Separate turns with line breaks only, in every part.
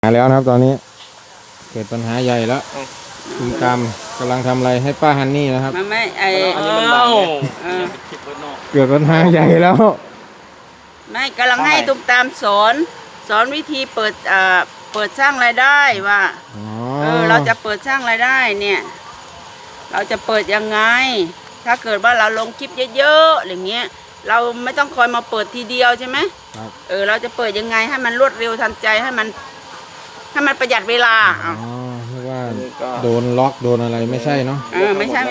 หาแล้วนะครับตอนนี้เกิดปัญหาใหญ่แล้วคุณตามกำลังทำอะไรให้ป้าฮันนี่นะครับ
มันไม่
อันนี้มันบัง
เกิดปัญหาใหญ่แล้ว
ไม่กำลังให้ตุ้มตามสอนวิธีเปิดสร้างรายได้ว่าเราจะเปิดสร้างรายได้เนี่ยเราจะเปิดยังไงถ้าเกิดว่าเราลงคลิปเยอะๆอย่างเงี้ยเราไม่ต้องคอยมาเปิดทีเดียวใช่ไหมเราจะเปิดยังไงให้มันรวดเร็วทันใจให้มันประหยัดเวลา
ไม่ว่าโดนล็อกโดนอะไรไม่ใช่เนาะ
ไม่ใช่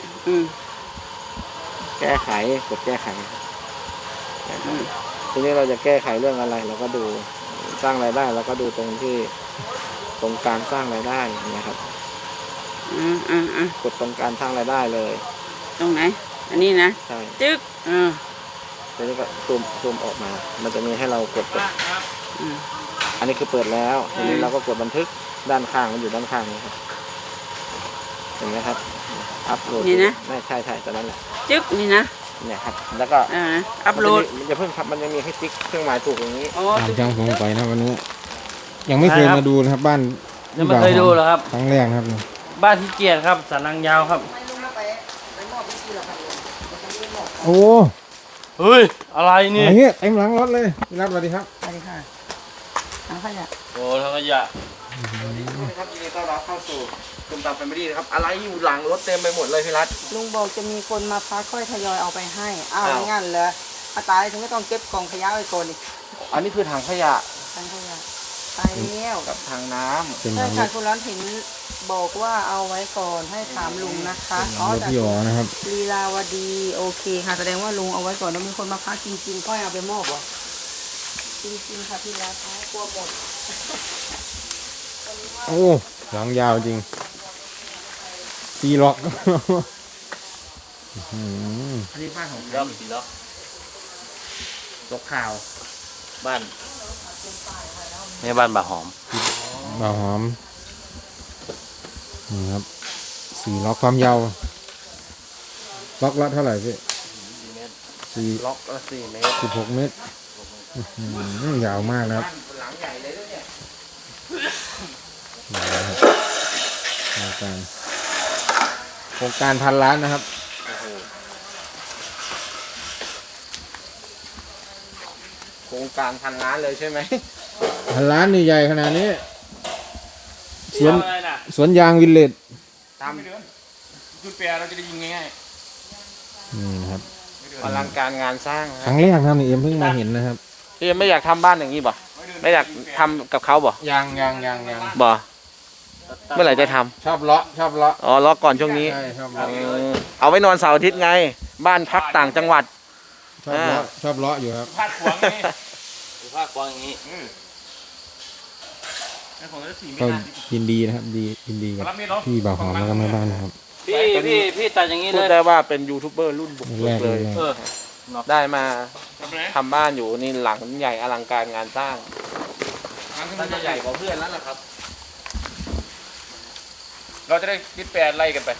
แก้ไขกดแก้ไขทีนี้เราจะแก้ไขเรื่องอะไรเราก็ดูสร้างรายได้เราก็ดูตรงการสร้างรายได้นะครับกดตรงการสร้างรายได้เลย
ตรงไหนอันนี้นะ
ใช่
จึ๊ก
ทีนี้ก็ซูมออกมามันจะมีให้เรากดอันนี้คือเปิดแล้วทีนี้เราก็กดบันทึกด้านข้างมันอยู่ด้านข้างนี้ครับเห็นไหมครับอัพโหลด
นี่นะ
ไม่ใช่ตอนนั้นแหละ
จึ๊กนี่นะ
เนี่ยครับแล้วก็
อัพโหลด
มันจะเพิ่งครับมันยังมีให้ติ๊กเครื่องหมายถูกอย่างนี้
จังผมไปนะวันนี้ยังไม่เคยมาดูนะครับบ้าน
ยังไม่เคยดูหรอครับ
ครั้งแรกครับ
บ้านที่เกียรติครับสันนังยาวครับ
โอ้
เฮ้ยอะไรนี่
เต็มหลังรถเลยพี่รัฐสวัสดีครับ
สวัสดีค่ะถังขยะ
โอ้ถังขยะ
ครับยินดีต้อนรับเข้าสู่ตุ้มตามแฟมิลี่นะครับอะไรอยู่หลังรถเต็มไปหมดเลยพี่รัฐ
ลุงบอกจะมีคนมาพักค่อยทยอยเอาไปให้งั้นเลยตายถึงก็ต้องเก็บกล่องขยะไว้ก่อนอีก
อันนี้คือถังขยะ
ตายแล้ว
กับถังน้ำ
ใช่ค่ะคุณร้อนเห็นบอกว่าเอาไว้ก่อนให้ถามลุงนะคะ
แต่พี่อ๋อนะครับ
ลีลาวดีโอเคค่ะแสดงว่าลุงเอาไว้ก่อนแล้วมีคนมาพักจริงๆค่อยเอาไปมอบเหรอจริงๆค่ะพี่รัฐกลัวหมด
โอ้หลังยาวจริงตีล็อก
อันนี้บ้านของใครตีล็อกตกข่าวบ้าน
นี่บ้านบ่าหอม
นี่ครับ4 ล็อกความยาวล็อกละเท่าไหร่พี่
ล็อกละ4 เมตร
16 เมตรยาวมากนะครับ
หลังใหญ่เลยด้วยเนี่ย
โครงการ1,000 ล้านนะครับ
โครงการ1,000 ล้านเลยใช่ไหม
1,000 ล้านนี่ใหญ่ขนาดนี้สวนยางวิลเลจ
ตามเดือนจุดแปรเราจะได้ยิงง่าย
ๆนี่ครับ
อลังการงานสร้าง
ครั้งแรกครับนี่เอ็มเพิ่งมาเห็นนะครับ
เอ็มไม่อยากทำบ้านอย่างนี้บ่ไม่อยากทำกับเขาบ่
ยัง
บ่เมื่อไหร่จะท
ำชอบเลาะ
เลาะก่อนช่วงนี้เอาไว้นอนเสาร์อาทิตย์ไงบ้านพักต่างจังหวัด
ชอบเลาะอยู่ครับ
ภาคขวางนี่ภาคขวางอย่างนี้
ก็ยินดีนะครับยินดีกับพี่บ่าวหอมแล้วก็แม่บ้านนะครับ
พี่ตัดอย่างนี้เลย
พูดได้ว่าเป็นยูทูบเบอร์รุ่นบุกเบิกเลยได้มาทำบ้านอยู่นี่หลังใหญ่อลังการงานสร้าง
มันจะใหญ่กว่าเพื่อนแล้วล่ะครับ
เราจะได้คิดแปลไล่กันไป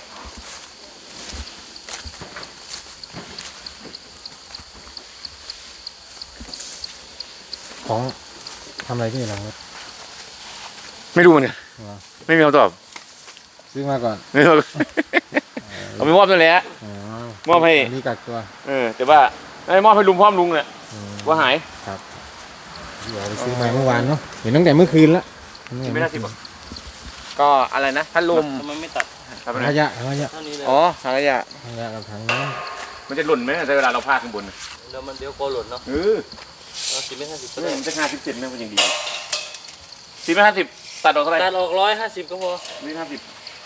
ของทำอะไรที่ไหนครับ
ไม่รู้เนี่ยไม่มีคำตอบ
ซื้อมาก่อน
เอาไปมอบนั่นแหละมอบให้
นี่กักตัว
แต่ว่าไม่มอบให้ลุงพร้อมลุงเนี่ยว่าหาย
ครับเดี๋ยวไปซื้อมาเมื่อวานเนาะเห็นตั้งแต่เมื่อคืนละ
ไม่ได้สิบก็อะไรนะพัดลม
มันไม่ตัด
ถังขยะ
อ๋อถังขยะ
กับถังน้
ำมันจะหล่นไหมในเวลาเราพาดข้างบน
แล้วมันเดี๋ยวโกหล่นเนาะ10 เมตร 50
มันจะ57นะมันยังดี10 เมตร 50ตัดออกเท่าไหร่
ตัดออก150ก็พอ
150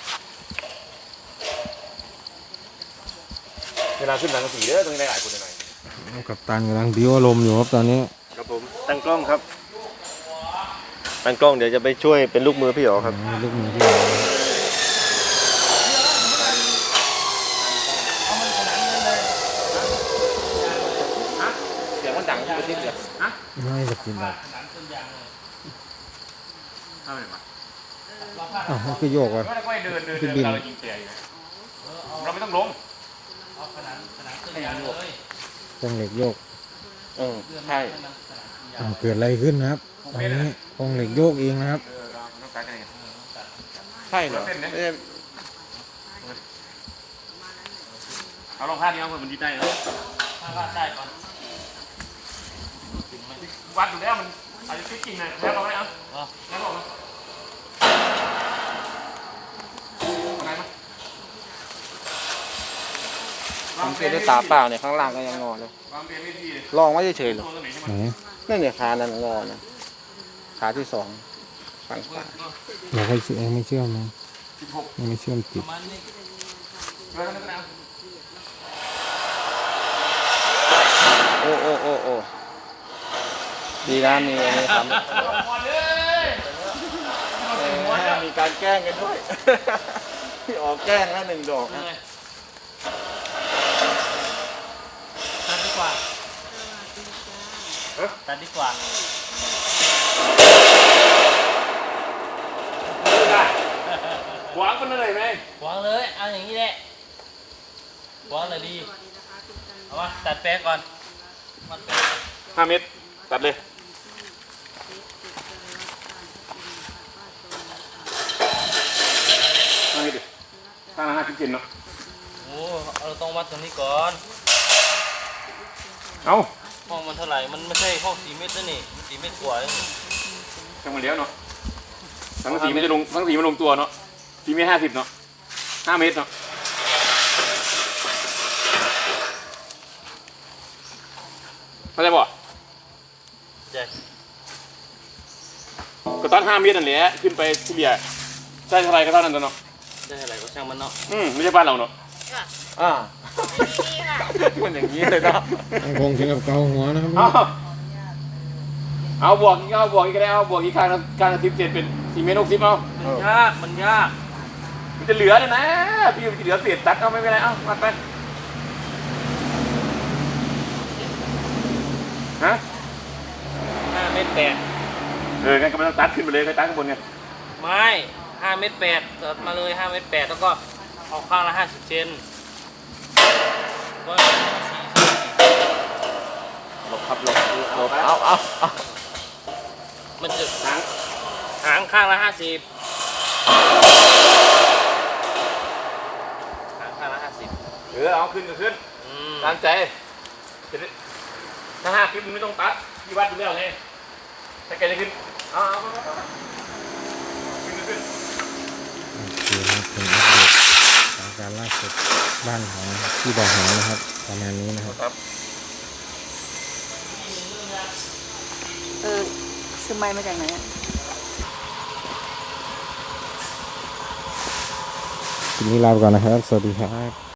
เวลาขึ้นหลังสีเด้อตรงนี้ได้หลายคนหน่อย
กับตันกำลังบิ้วอารมณ์อยู่ครับตอนนี้
ครับผมตั้งกล้องครับตั้งกล้องเดี๋ยวจะไปช่วยเป็นลูกมือพี่อ๋อครับ
ลูกมือพี่อ๋อ
เสียงมันดังไปที่เดือด
ไม่จะกินแบบมันคือโยกอ่ะ
คือบินเราไม่ต้องลง
กองเหล็กโยก
ใช่
เกิดอะไรขึ้นนะครับตอนนี้กองเหล็กโยกเองนะครับ
ต้องตัดกันไง
ใช่เหรอ
เอาลองพาดนี้เอาคนมันดีใจแล้วพาดได้ก่อนวัดดูแล้วมันอาจจะคิดจริงนะแล้วเราไม่เอาแล้วบอกมาอะไรมา
ผมเห็นด้วยตาเปล่าเนี่ยข้างล่างก็ยังงอเลย
วางเรียนไม่ดีเลย
ลองไว้เฉยๆเหรอ
ตัวไหนใช่ไหม
ไหน
นั่นเนี่ยขานั่นงอนะขาที่สองฝั่งขวา
เราค่อยเชื่อมไม่เชื่อมนะ
16
ยังไม่เชื่อมติด
มันนี่เรื่องนั้นนะ
โอ้โอ้โอ้โอ้ดีนะมีอันนี้ทำมีการแกล้งกันด้วย พี่ออกแกล้งแล้ว1 ดอกนะ
ตัดดีกว่าตัดดีกว่าหวังมันอะไรไหม
วางเลยเอาอย่างนี้แหละวางเลยดีเอามาตัดแป๊กก่อนมันแป๊ก
5 เมตรตัดเลย5 เมตรดิข้างละ50 เซนเนาะ
โอ้เราต้องวัดตรงนี้ก่อน
เอา
ห้องมันเท่าไหร่มันไม่ใช่ห้อง4 เมตรนะนี่มัน4 เมตรกว่าเอง
จังมาเลี้ยวเนาะทั้งสีมันจะลงทั้งสีมันลงตัวเนาะ4 เมตร 50เนาะ5 เมตรเนาะเข้าใจป่ะ
ใช่
ก็ตัด5 เมตรนั่นแหละขึ้นไปที่เบียร์ได้เท่าไรก็เท่านั้นเนาะ
ได้เท่าไหร่ก็ช่างมันเนาะ
ไม่ใช่บ้านเราเนาะ
อ่ามันอย่างนี้เลยเนาะ
ยังคงถึงกับเกาหัวนะครับ
เอาบวกอีกก็ได้เอาบวกอีกข้างละ10 เซนเป็น4 เมตร 60เอา
มันยาก
มันจะเหลือเลยนะพี่มันจะเหลือเศษตัดเอาไม่เป็นไรเอามาไปฮะ
5 เมตร
งั้นก็ไม่ต้องตัดขึ้นไปเลยก็ตัดข้างบนไง
8ไม่5 เมตร 8ตัดมาเลย5 เมตร 8แล้วก็เอาข้างละ50 เซนก็4 เซน
หลบครับหลบเอา
มันจะ
หาง
หางข้างละ50หางข้างละ50
เอาขึ้นก็ขึ้นตามใจถ้า5 คลิปมึงไม่ต้องตัดที่วัดอยู่แล้วไงถ้าแกจะขึ้นเอาขึ้นก็ขึ้น
โอเคนะครับเป็นอัปเดตสถานการณ์ล่าสุดบ้านของที่บ่อหงนะครับประมาณนี้นะครับ
ซื้อไม้มาจากไหนอ่ะ
ทีนี้ลาไปก่อนนะครับ สวัสดีครับ